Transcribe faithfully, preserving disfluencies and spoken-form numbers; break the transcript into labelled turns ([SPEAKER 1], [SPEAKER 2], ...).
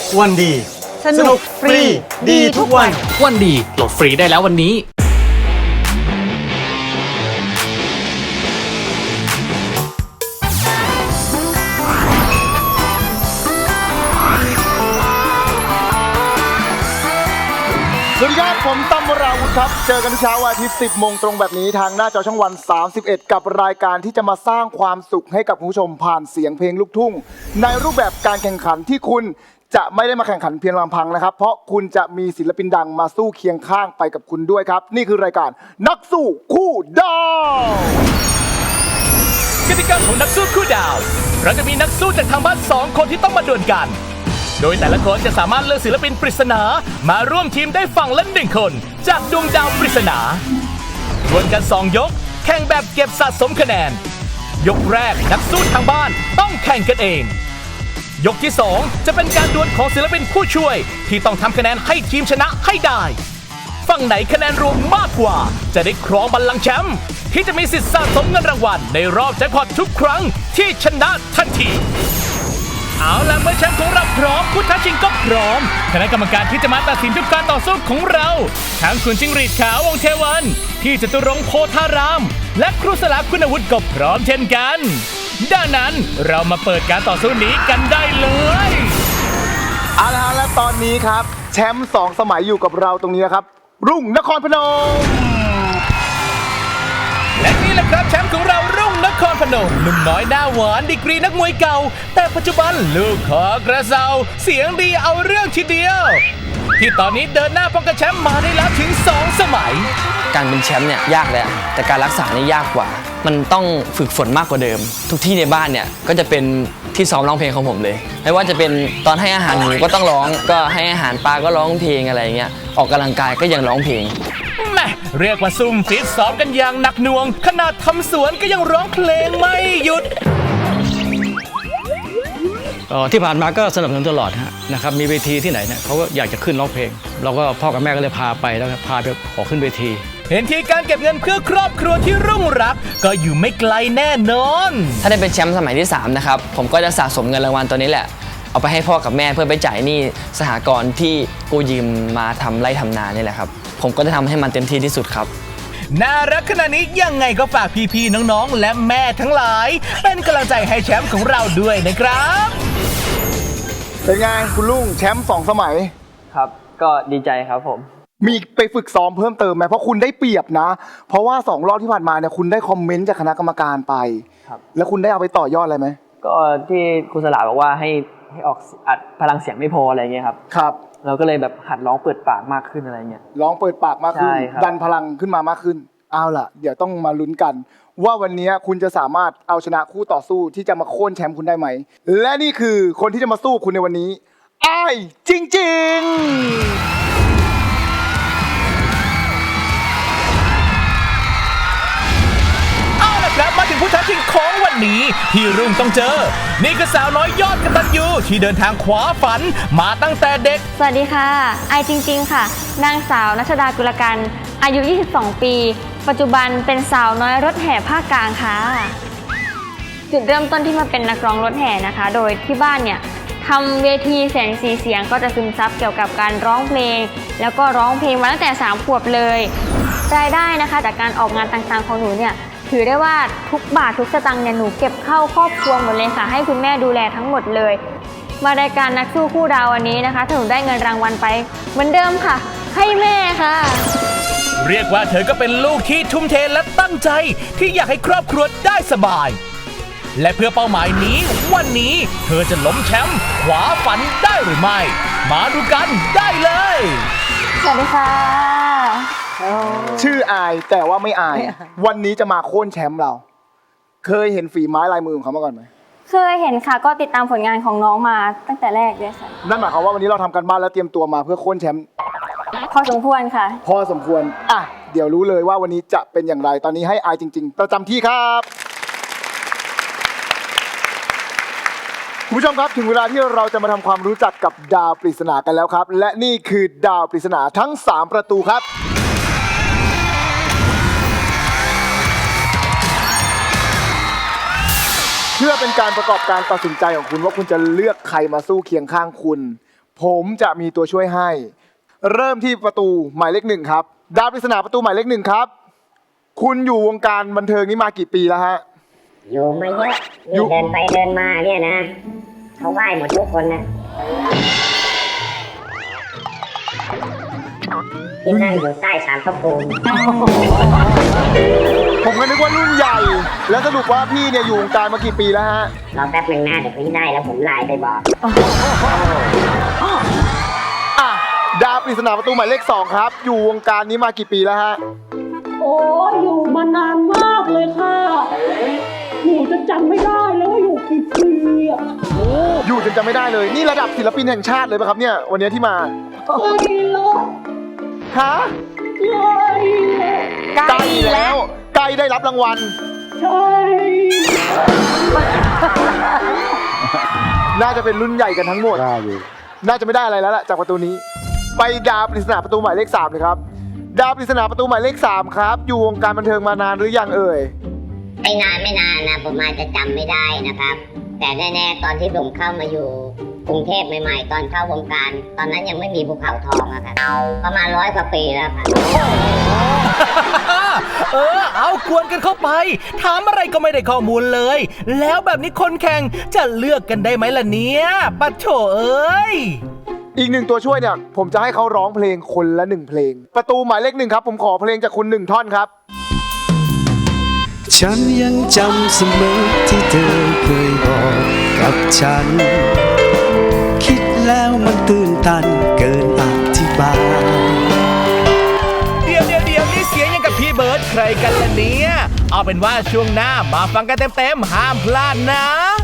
[SPEAKER 1] วันดีสนุกฟรีดีทุกวัน
[SPEAKER 2] วันดีโหลดฟรีได้แล้ววันนี้
[SPEAKER 3] สวัสดีครับผมตั้มวราวุธครับเจอกันเช้าวันอาทิตย์สิบโมงตรงแบบนี้ทางหน้าจอช่องวันสามสิบเอ็ดกับรายการที่จะมาสร้างความสุขให้กับคุณผู้ชมผ่านเสียงเพลงลูกทุ่งในรูปแบบการแข่งขันที่คุณจะไม่ได้มาแข่งขันเพียงลำพังนะครับเพราะคุณจะมีศิลปินดังมาสู้เคียงข้างไปกับคุณด้วยครับนี่คือรายการนักสู้คู่ดาว
[SPEAKER 2] กติกาของนักสู้คู่ดาวเราจะมีนักสู้จากทางบ้านสองคนที่ต้องมาดวลกันโดยแต่ละคนจะสามารถเลือกศิลปินปริศนามาร่วมทีมได้ฝั่งละหนึ่งคนจากดวงดาวปริศนาดวลกันสองยกแข่งแบบเก็บสะสมคะแนนยกแรกนักสู้ทางบ้านต้องแข่งกันเองยกที่สองจะเป็นการดวลของศิลปินผู้ช่วยที่ต้องทำคะแนนให้ทีมชนะให้ได้ฝั่งไหนคะแนนรวมมากกว่าจะได้ครองบัลลังก์แชมป์ที่จะมีสิทธิ์สะสมเงินรางวัลในรอบแจ็คพอตทุกครั้งที่ชนะทันทีเอาล่ะเมื่อแชมป์ของเราพร้อมผู้ท้าชิงก็พร้อมคณะกรรมการที่จะมาตัดสินทุกการต่อสู้ของเราทั้งคุณจิ้งหรีดขาววงเทวันพี่จตุรงค์โพธารามและครูสลาคุณวุฒิก็พร้อมเช่นกันดังนั้นเรามาเปิดการต่อสู้นี้กันได้เลย
[SPEAKER 3] เอาละและตอนนี้ครับแชมป์สองสมัยอยู่กับเราตรงนี้นะครับรุ่งนครพนม
[SPEAKER 2] และนี่แหละครับแชมป์ของเรารุ่งนครพนมหนุ่มน้อยหน้าหวานดีกรีนักมวยเก่าแต่ปัจจุบันลูกขอกระเซาเสียงดีเอาเรื่องทีเดียวที่ตอนนี้เดินหน้าป้องกันแชมป์มาได้แล้วถึงสองสมัย
[SPEAKER 4] การเป็นแชมป์เนี่ยยากแหละแต่การรักษานี่ยากกว่ามันต้องฝึกฝนมากกว่าเดิมทุกที่ในบ้านเนี่ยก็จะเป็นที่ซ้อมร้องเพลงของผมเลยไม่ว่าจะเป็นตอนให้อาหารหมูก็ต้องร้องก็ให้อาหารปลาก็ร้องเพลงอะไรเงี้ยออกกำลังกายก็ยังร้องเพลง
[SPEAKER 2] แม่เรียกว่าซุ่มฟิตซ้อมกันอย่างหนักหน่วงขนาดทำสวนก็ยังร้องเพลงไม่หยุด
[SPEAKER 5] ที่ผ่านมาก็สนับสนุนตลอดนะครับมีเวทีที่ไหนเนี่ยเขาก็อยากจะขึ้นร้องเพลงเราก็พ่อกับแม่ก็เลยพาไปแล้วพาไปออกขึ้นเวที
[SPEAKER 2] เห็นที่การเก็บเงินเพื่อครอบครัวที่รุ่งรักก็อยู่ไม่ไกลแน่นอน
[SPEAKER 4] ถ้าได้เป็นแชมป์สมัยที่สามนะครับผมก็จะสะสมเงินรางวัลตัวนี้แหละเอาไปให้พ่อกับแม่เพื่อไปจ่ายหนี้สหกรณ์ที่กู้ยืมมาทำไร่ทำนานี่แหละครับผมก็จะทำให้มันเต็มที่ที่สุดครับ
[SPEAKER 2] น่ารักขนาดนี้ยังไงก็ฝากพี่ๆน้องๆและแม่ทั้งหลายเป็นกำลังใจให้แชมป์ของเราด้วยนะครับ
[SPEAKER 3] เป็นไงคุณลุงแชมป์สองสมัย
[SPEAKER 4] ครับก็ดีใจครับผม
[SPEAKER 3] มีไปฝึกซ้อมเพิ่มเติมไหมเพราะคุณได้เปรียบนะเพราะว่าสองรอบที่ผ่านมาเนี่ยคุณได้คอมเมนต์จากคณะกรรมการไป
[SPEAKER 4] ครับ
[SPEAKER 3] แล้วคุณได้เอาไปต่อยอดอะไรไหม
[SPEAKER 4] ก็ที่ครูสลาบอกว่าให้ให้ออกอัดพลังเสียงไม่พออะไรเงี้ยครับ
[SPEAKER 3] ครับ
[SPEAKER 4] เราก็เลยแบบหัดร้องเปิดปากมากขึ้นอะไรเงี้ย
[SPEAKER 3] ร้องเปิดปากมากขึ้นดันพลังขึ้นมามากขึ้นเอาล่ะเดี๋ยวต้องมาลุ้นกันว่าวันนี้คุณจะสามารถเอาชนะคู่ต่อสู้ที่จะมาโค่นแชมป์คุณได้ไหมและนี่คือคนที่จะมาสู้คุณในวันนี้อ้ายจริงๆ
[SPEAKER 2] และมาถึงผู้ท้าชิงของวันนี้ที่รุ่งต้องเจอนี่คือสาวน้อยยอดกตัญญูที่เดินทางขวาฝันมาตั้งแต่เด็ก
[SPEAKER 6] สวัสดีค่ะไอจริงๆค่ะนางสาวณัชดากุลกันอายุยี่สิบสองปีปัจจุบันเป็นสาวน้อยรถแห่ภาคกลางค่ะจุดเริ่มต้นที่มาเป็นนักร้องรถแห่นะคะโดยที่บ้านเนี่ยทำเวทีแสงสีเสียงก็จะซึมซับเกี่ยวกับการร้องเพลงแล้วก็ร้องเพลงมาตั้งแต่สามขวบเลยรายได้นะคะจากการออกงานต่างๆของหนูเนี่ยถือได้ว่าทุกบาททุกสตางค์เนี่ยหนูเก็บเข้าครอบครัวหมดเลยค่ะให้คุณแม่ดูแลทั้งหมดเลยมารายการนักสู้คู่ดาววันนี้นะคะถ้าหนูได้เงินรางวัลไปเหมือนเดิมค่ะให้แม่ค่ะ
[SPEAKER 2] เรียกว่าเธอก็เป็นลูกที่ทุ่มเทและตั้งใจที่อยากให้ครอบครัวได้สบายและเพื่อเป้าหมายนี้วันนี้เธอจะล้มแชมป์ขวาฝันได้หรือไม่มาดูกันได้เลย
[SPEAKER 6] สวัสดีค่ะ
[SPEAKER 3] ชื่ออายแต่ว่าไม่อายวันนี้จะมาโค่นแชมป์เราเคยเห็นฝีไม้ลายมือของเขามาก่อนไหม
[SPEAKER 6] เคยเห็นค่ะก็ติดตามผลงานของน้องมาตั้งแต่แรกเลยค่ะ
[SPEAKER 3] นั่นหมายความว่าวันนี้เราทำกันบ้านแล้วเตรียมตัวมาเพื่อโค่นแชมป์
[SPEAKER 6] พอสมควรค่ะ
[SPEAKER 3] พอสมควรอ่ะเดี๋ยวรู้เลยว่าวันนี้จะเป็นอย่างไรตอนนี้ให้อายจริงๆประจำที่ครับคุณผู้ชมครับถึงเวลาที่เราจะมาทำความรู้จักกับดาวปริศนากันแล้วครับและนี่คือดาวปริศนาทั้งสามประตูครับเพื่อเป็นการประกอบการตัดสินใจของคุณว่าคุณจะเลือกใครมาสู้เคียงข้างคุณผมจะมีตัวช่วยให้ เริ่มที่ประตูหมายเลขหนึ่งครับดาวปริศนาประตูหมายเลขหนึ่งครับ คุณอยู่วงการบันเทิงนี้มากี่ปีแล้วฮะ
[SPEAKER 7] อยู่มาเยอะ
[SPEAKER 3] อยู่
[SPEAKER 7] นี่เดินไปเดินมาเนี่ยนะเขาไหว้หมดทุกคนนะที่นั่งอยู่ใต้ศาลพระภูมิ
[SPEAKER 3] ผมก็นึกว่ารุ่นใหญ่ แล้วสรุปว่าพี่เนี่ยอยู่วงการมากี่ปีแล้วฮะ
[SPEAKER 7] รอแป๊บหนึ่งหน้าเดี๋ยวพี่ได้แล้วผมไลน์ไปบอก
[SPEAKER 3] อ่ะดาวปริศนาประตูหมายเลขสองครับ อยู่วงการนี้มากี่ปีแล้วฮะ
[SPEAKER 8] โอ้ยอยู่มานานมากเลยค่ะหนูจะจำไม่ได้แล้วว่าอยู่กี่ปีอ่ะ
[SPEAKER 3] อยู่จนจำไม่ได้เลย นี่ระดับศิลปินแห่งชาติเลยป่ะครับเนี่ย วันนี้ที่มา
[SPEAKER 8] ใกล้แล้ว
[SPEAKER 3] ฮะ
[SPEAKER 8] ใกล้แล้ว
[SPEAKER 3] ใกล้แล้วใกล้ได้รับรางวัล
[SPEAKER 8] ใช่
[SPEAKER 3] น่าจะเป็นรุ่นใหญ่กันทั้งหมด น่าจะไม่ได้อะไรแล้วล่ะจากประตูนี้ ไปดาวปริศนาประตูหมายเลขสามเลยครับ ดาวปริศนาประตูหมายเลขสามครับ อยู่วงการบันเทิงมานานหรือยังเอ่ย
[SPEAKER 7] ไม่นานไม่นานนะผมอาจจะจำไม่ได้นะครับ แต่แน่ๆตอนที่ผมเข้ามาอยู่กรุงเทพใหม่ๆตอนเข้าวงการ ตอนนั้นยังไม่มีภูเขาทองอะครับประมาณร้อยกว่าปีแล้วครับ
[SPEAKER 2] เออ เอากวนกันเข้าไป ถามอะไรก็ไม่ได้ข้อมูลเลย แล้วแบบนี้คนแข่งจะเลือกกันได้ไหมล่ะเนี่ยปัดโถเอ้ย
[SPEAKER 3] อีกหนึ่งตัวช่วยเนี่ย ผมจะให้เขาร้องเพลงคนละหนึ่งเพลง ประตูหมายเลขหนึ่งครับ ผมขอเพลงจากคุณหนึ่งท่อนครับ
[SPEAKER 1] ฉันยังจำเสมอที่เธอเคยบอกกับฉัน คิดแล้วมันตื่นตันเกินอธิบาย
[SPEAKER 2] เดี๋ยวเดี๋ยวเดี๋ยวนี่เสียงยังกับพี่เบิร์ดใครกันล่ะเนี่ย เอาเป็นว่าช่วงหน้ามาฟังกันเต็มๆห้ามพลาดนะ